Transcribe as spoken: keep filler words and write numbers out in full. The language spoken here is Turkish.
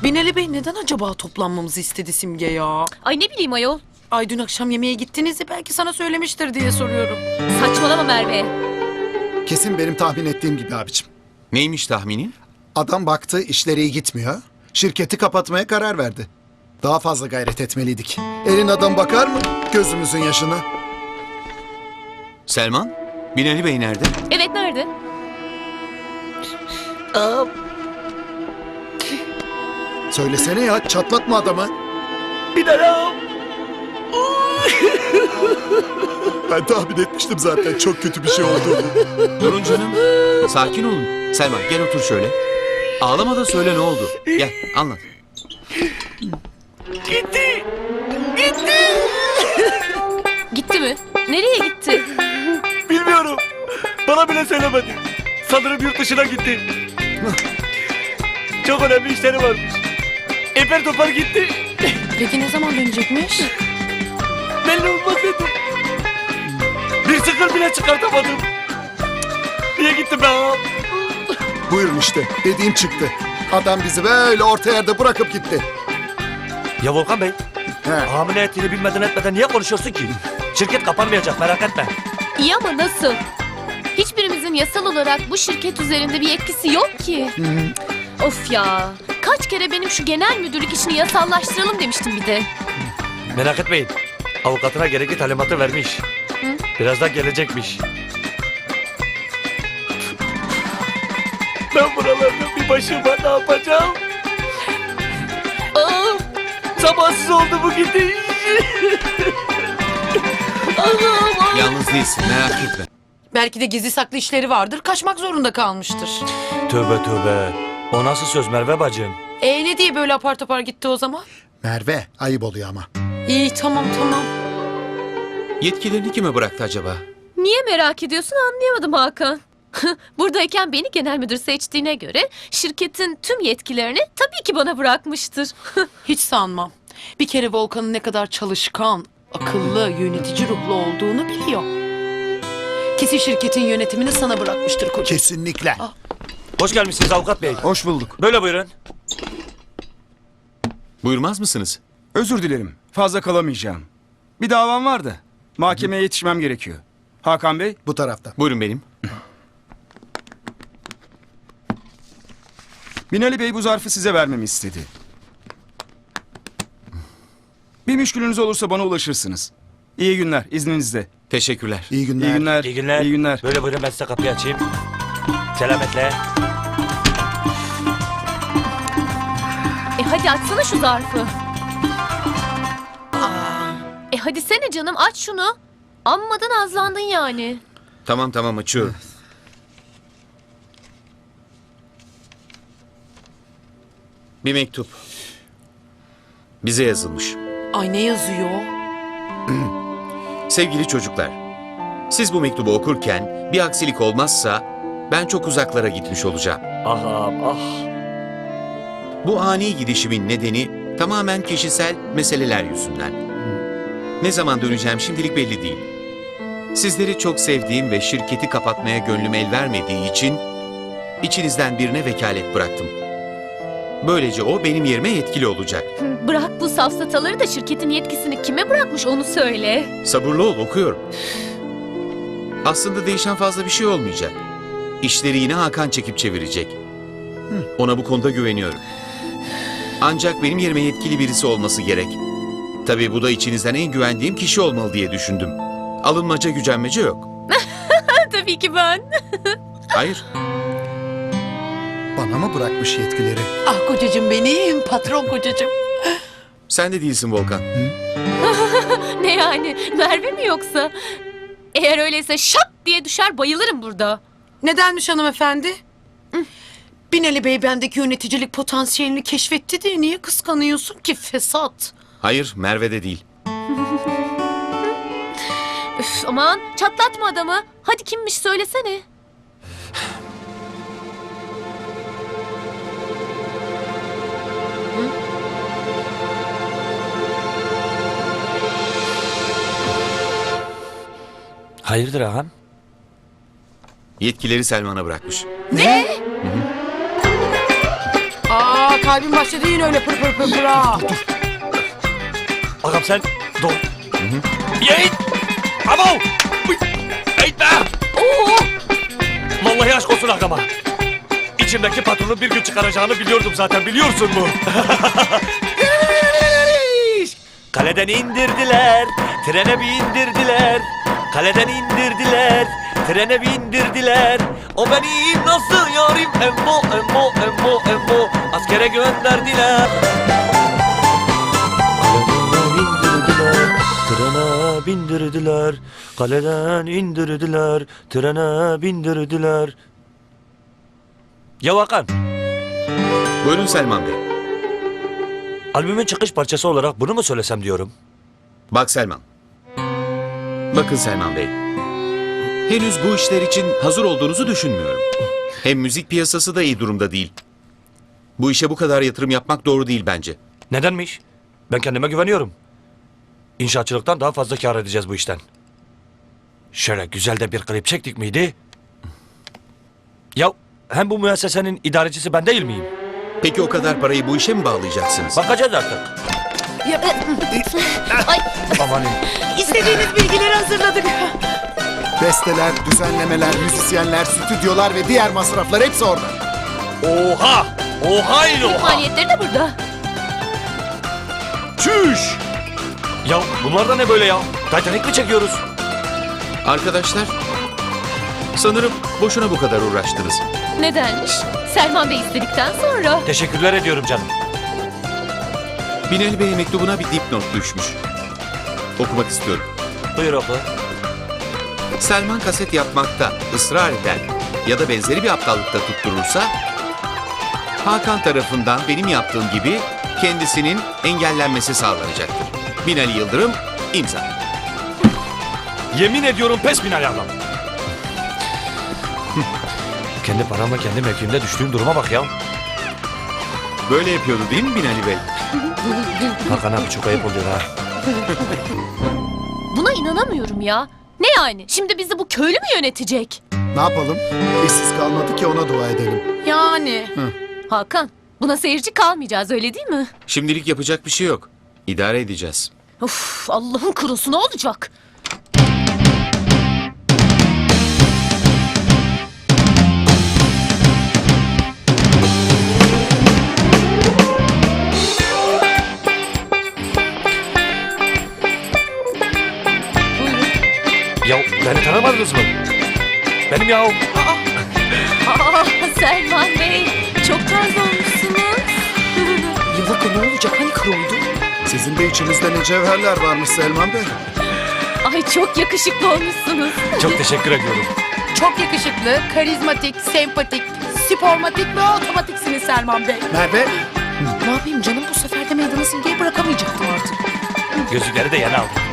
Binali Bey neden acaba toplanmamızı istedi Simge ya? Ay ne bileyim ayol. Ay dün akşam yemeğe gittiniz ya, belki sana söylemiştir diye soruyorum. Saçmalama Merve. Kesin benim tahmin ettiğim gibi abicim. Neymiş tahminin? Adam baktı işleri iyi gitmiyor. Şirketi kapatmaya karar verdi. Daha fazla gayret etmeliydik. Elin adam bakar mı gözümüzün yaşına? Selman, Binali Bey nerede? Evet nerede? Aa, Söylesene ya, çatlatma adamı. Binali. Ben tahmin etmiştim zaten çok kötü bir şey olduğunu. Durun canım. Sakin olun. Selman gel otur şöyle. Ağlama da söyle ne oldu. Gel anlat. Gitti. Gitti mi? Nereye gitti? Bilmiyorum. Bana bile söylemedi. Sanırım yurt dışına gitti. Çok önemli işleri varmış. Eper topar gitti. Peki ne zaman dönecekmiş? Belli olmaz dedi. Bir sıkır bile çıkartamadım. Niye gittim ben? Buyurun işte, dediğim çıktı. Adam bizi böyle orta yerde bırakıp gitti. Ya Volkan Bey, He. hamile ettiğini bilmeden etmeden niye konuşuyorsun ki? Şirket kapanmayacak, merak etme. İyi ama nasıl? Hiçbirimizin yasal olarak bu şirket üzerinde bir yetkisi yok ki. Of ya. Kaç kere benim şu genel müdürlük işini yasallaştıralım demiştim bir de. Merak etmeyin. Avukatına gerekli talimatı vermiş. Birazdan gelecekmiş. Ben buralarda bir başıma ne yapacağım? Aa, sabahsız oldu bu gidiş. Allah'ım. Yalnız değilsin merak etme. Belki de gizli saklı işleri vardır, kaçmak zorunda kalmıştır. Tövbe tövbe. O nasıl söz Merve bacım? E ne diye böyle apar topar gitti o zaman? Merve, ayıp oluyor ama. İyi tamam tamam. Yetkilerini kime bıraktı acaba? Niye merak ediyorsun anlayamadım Hakan. Buradayken beni genel müdür seçtiğine göre şirketin tüm yetkilerini tabii ki bana bırakmıştır. Hiç sanmam. Bir kere Volkan'ın ne kadar çalışkan, akıllı, yönetici ruhlu olduğunu biliyor. Kesin şirketin yönetimini sana bırakmıştır koca. Kesinlikle. Hoş gelmişsiniz avukat bey. Hoş bulduk. Böyle buyurun. Buyurmaz mısınız? Özür dilerim. Fazla kalamayacağım. Bir davam vardı. Mahkemeye yetişmem gerekiyor. Hakan Bey, Bu tarafta. Buyurun benim. Binali Bey bu zarfı size vermemi istedi. Bir müşkülünüz olursa bana ulaşırsınız. İyi günler, izninizle. Teşekkürler. İyi günler. İyi günler. İyi günler. İyi günler. Böyle buyurun ben size kapıyı açayım. Selametle. E hadi açsana şu zarfı. E hadi sene canım aç şunu. Amma da nazlandın yani. Tamam tamam açıyorum. Bir mektup. Bize yazılmış. Ay ne yazıyor? Sevgili çocuklar, siz bu mektubu okurken bir aksilik olmazsa ben çok uzaklara gitmiş olacağım. Ah ah ah. Bu ani gidişimin nedeni tamamen kişisel meseleler yüzünden. Ne zaman döneceğim şimdilik belli değil. Sizleri çok sevdiğim ve şirketi kapatmaya gönlüm el vermediği için içinizden birine vekalet bıraktım. Böylece o benim yerime yetkili olacak. Bırak bu safsataları da şirketin yetkisini kime bırakmış onu söyle. Sabırlı ol, okuyorum. Aslında değişen fazla bir şey olmayacak. İşleri yine Hakan çekip çevirecek. Ona bu konuda güveniyorum. Ancak benim yerime yetkili birisi olması gerek. Tabii bu da içinizden en güvendiğim kişi olmalı diye düşündüm. Alınmaca gücenmece yok. Tabii ki ben. Hayır, Bana mı bırakmış yetkileri? Ah kocacığım benim, patron kocacığım. sen de değilsin Volkan. Ne yani Merve mi yoksa? Eğer öyleyse şak diye düşer bayılırım burada. Nedenmiş hanımefendi? Binali Bey bendeki yöneticilik potansiyelini keşfetti diye niye kıskanıyorsun ki fesat? Hayır, Merve de değil. Üf, aman çatlatma adamı. Hadi kimmiş söylesene. Hayırdır ağam? Yetkileri Selman'a bırakmış. Aa Vallahi kalbim başladı yine öyle pır pır pır pır ha. Ağam sen dur. Yiğit! Abo! Uy! Eğitme! Oo! Vallahi aşk olsun ağama. İçimdeki patronu bir gün çıkaracağını biliyordum zaten, biliyorsun mu? Kaleden indirdiler, trene bindirdiler. Kaleden indirdiler, trene bindirdiler. O benim nasıl yarim emmo emmo emmo emmo. Askere gönderdiler. Kaleden indirdiler, trene bindirdiler. Kaleden indirdiler, trene bindirdiler. Ya Hakan, Buyurun Selman Bey. albümün çıkış parçası olarak bunu mu söylesem diyorum. Bak Selman. Bakın Selman Bey. Henüz bu işler için hazır olduğunuzu düşünmüyorum. Hem müzik piyasası da iyi durumda değil. Bu işe bu kadar yatırım yapmak doğru değil bence. Nedenmiş? Ben kendime güveniyorum. İnşaatçılıktan daha fazla kâr edeceğiz bu işten. Şöyle güzel de bir klip çektik miydi? Ya hem bu müessesenin idarecisi ben değil miyim? Peki o kadar parayı bu işe mi bağlayacaksınız? Bakacağız artık. Ya, Ay, Amanın. istediğiniz bilgileri hazırladık. Besteler, düzenlemeler, müzisyenler, stüdyolar ve diğer masraflar hepsi orada. Oha! Oha ile oha! maliyetleri de burada. Çüş! Ya bunlar da ne böyle ya? Titanic mi çekiyoruz? Arkadaşlar, sanırım boşuna bu kadar uğraştınız. Nedenmiş? Selman Bey istedikten sonra. Teşekkürler ediyorum canım. Binali Bey'in mektubuna bir dipnot düşmüş. Okumak istiyorum. Buyur oku. Selman kaset yapmakta ısrar eden ya da benzeri bir aptallıkta tutturursa, Hakan tarafından benim yaptığım gibi kendisinin engellenmesi sağlanacaktır. Binali Yıldırım, imza. Yemin ediyorum pes Binali ablam. Kendi paramla kendi mevkimde düştüğüm duruma bak ya. Böyle yapıyordu değil mi Binali Bey? Hakan abi çok ayıp oluyor ha. Buna inanamıyorum ya. Ne yani? Şimdi bizi bu köylü mü yönetecek? Ne yapalım? İşsiz kalmadı ki ona dua edelim. Yani. Hakan, buna seyirci kalmayacağız öyle değil mi? Şimdilik yapacak bir şey yok. İdare edeceğiz. Of, Allah'ın kurusu ne olacak? Ya beni tanımadınız mı? Benim ya. Aa, Selman Bey, çok tarz olmuşsunuz. Yıllık ne olacak hani kır oldu? Sizin de içinizde ne cevherler varmış Selman Bey. Ay çok yakışıklı olmuşsunuz. Çok teşekkür ediyorum. Çok yakışıklı, karizmatik, sempatik, spormatik ve otomatiksiniz Selman Bey. Merve, Ne yapayım canım bu sefer de meydanı simgeyi bırakamayacaktım artık. Gözlükleri de yeni aldım.